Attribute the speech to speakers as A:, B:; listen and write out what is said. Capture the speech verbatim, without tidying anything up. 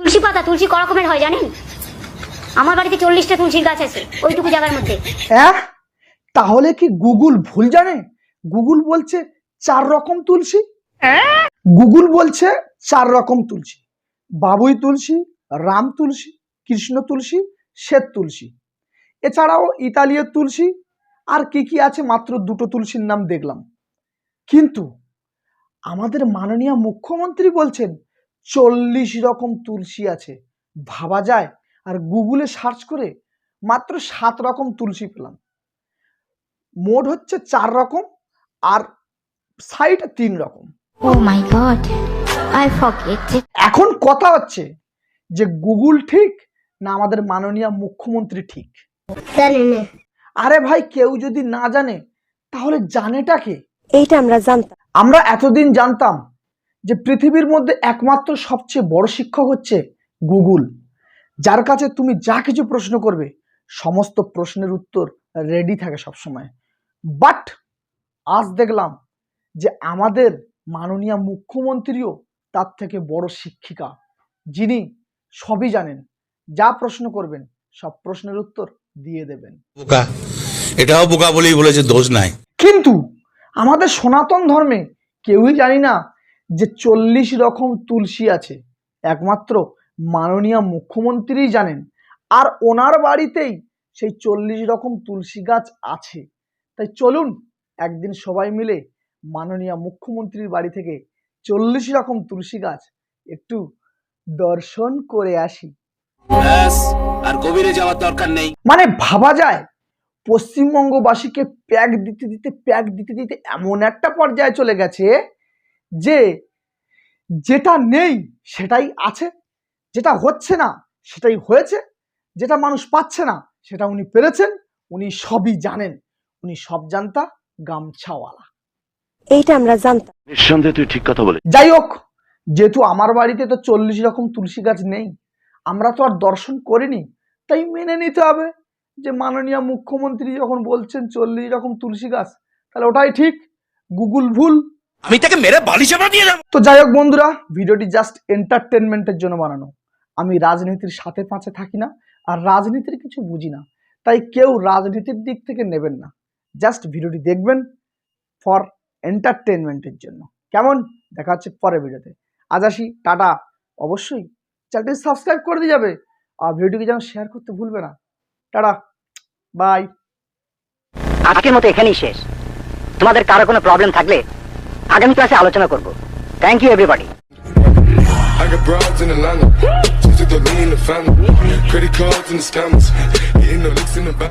A: তুলসী পাতা তুলসী ক রকমের হয় জানেন? আমার বাড়িতে চল্লিশটা তুলসীর গাছ আছে ওইটুকু জায়গার মধ্যে।
B: হ্যাঁ, তাহলে কি গুগল ভুল জানে? গুগল বলছে চার রকম তুলসী। গুগল বলছে চার রকম তুলসী, বাবুই তুলসী, রাম তুলসী, কৃষ্ণ তুলসী, শ্বেত তুলসী। এছাড়াও ইতালীয় তুলসী আর কি কি আছে মাত্র দুটো তুলসীর নাম দেখলাম। কিন্তু আমাদের মাননীয় মুখ্যমন্ত্রী বলছেন চল্লিশ রকম তুলসী আছে। ভাবা যায়? আর গুগলে সার্চ করে মাত্র সাত রকম তুলসী পেলাম। মোট হচ্ছে চার রকম আর সাইড তিন রকম।
A: Oh my god, I forget it.
B: এখন কথা হচ্ছে যে গুগল ঠিক না আমাদের মাননীয় মুখ্যমন্ত্রী ঠিক? আরে ভাই, কেউ যদি না জানে তাহলে জানেটা কে?
C: এইটা আমরা জানতাম।
B: আমরা এতদিন জানতাম যে পৃথিবীর মধ্যে একমাত্র সবচেয়ে বড় শিক্ষক হচ্ছে গুগল, যার কাছে তুমি যা কিছু প্রশ্ন করবে সমস্ত প্রশ্নের উত্তর রেডি থাকে সবসময়। বাট আজ দেখলাম যে আমাদের মাননীয় মুখ্যমন্ত্রীও তার থেকে বড় শিক্ষিকা, যিনি সবই জানেন, যা প্রশ্ন করবেন সব প্রশ্নের উত্তর দিয়ে দেবেন।
D: বোকা, এটাও বোকা বলেই বলেছে, দোষ নাই।
B: কিন্তু আমাদের সনাতন ধর্মে কেউই জানি না যে চল্লিশ রকম তুলসী আছে, একমাত্র মাননীয় মুখ্যমন্ত্রীই জানেন। আর ওনার বাড়িতেই সেই চল্লিশ রকম তুলসী গাছ আছে। তাই চলুন একদিন সবাই মিলে মাননীয় মুখ্যমন্ত্রীর বাড়ি থেকে চল্লিশ রকম তুলসী গাছ একটু দর্শন করে আসি।
E: আর গভীরে যাওয়ার দরকার নেই।
B: মানে ভাবা যায় পশ্চিমবঙ্গবাসীকে প্যাক দিতে দিতে প্যাক দিতে দিতে এমন একটা পর্যায়ে চলে গেছে যে যেটা নেই সেটাই আছে, যেটা হচ্ছে না সেটাই হয়েছে, যেটা মানুষ পাচ্ছে না সেটা উনি পেরেছেন। উনি সবই জানেন, উনি সব জানতা গামছাওয়ালা।
C: এইটা আমরা জানতাম।
E: নিঃসন্দেহে তুই ঠিক কথা বলে।
B: যাই হোক, যেহেতু আমার বাড়িতে তো চল্লিশ রকম তুলসী গাছ নেই, আমরা তো আর দর্শন করিনি, তাই মেনে নিতে হবে যে মাননীয় মুখ্যমন্ত্রী যখন বলছেন চল্লিশ রকম তুলসী গাছ, তাহলে ওটাই ঠিক, গুগল ভুল।
E: আমি তাকে মেরে বালি চাপা দিয়ে দেব।
B: তো যাই হোক বন্ধুরা, ভিডিওটি জাস্ট এন্টারটেনমেন্টের জন্য বানানো। আমি রাজনীতির সাথে পাঁচে থাকি না আর রাজনীতির কিছু বুঝি না, তাই কেউ রাজনীতির দিক থেকে নেবেন না। জাস্ট ভিডিওটি দেখবেন ফর এন্টারটেনমেন্টের জন্য। কেমন? দেখা হচ্ছে পরের ভিডিওতে। আজ আসি, টাটা। অবশ্যই চ্যানেলটি সাবস্ক্রাইব করে দিয়ে যাবে আর ভিডিওটিকে যেন শেয়ার করতে ভুলবে না। Tata, bye.
F: আজকের মতো এখানেই শেষ। তোমাদের কারো কোনো প্রবলেম থাকলে আগামী ক্লাসে আলোচনা করব। Thank you everybody.
G: I got broads in Atlanta, just took the lean in the family, credit cards and the scammers, hitting the licks in the back.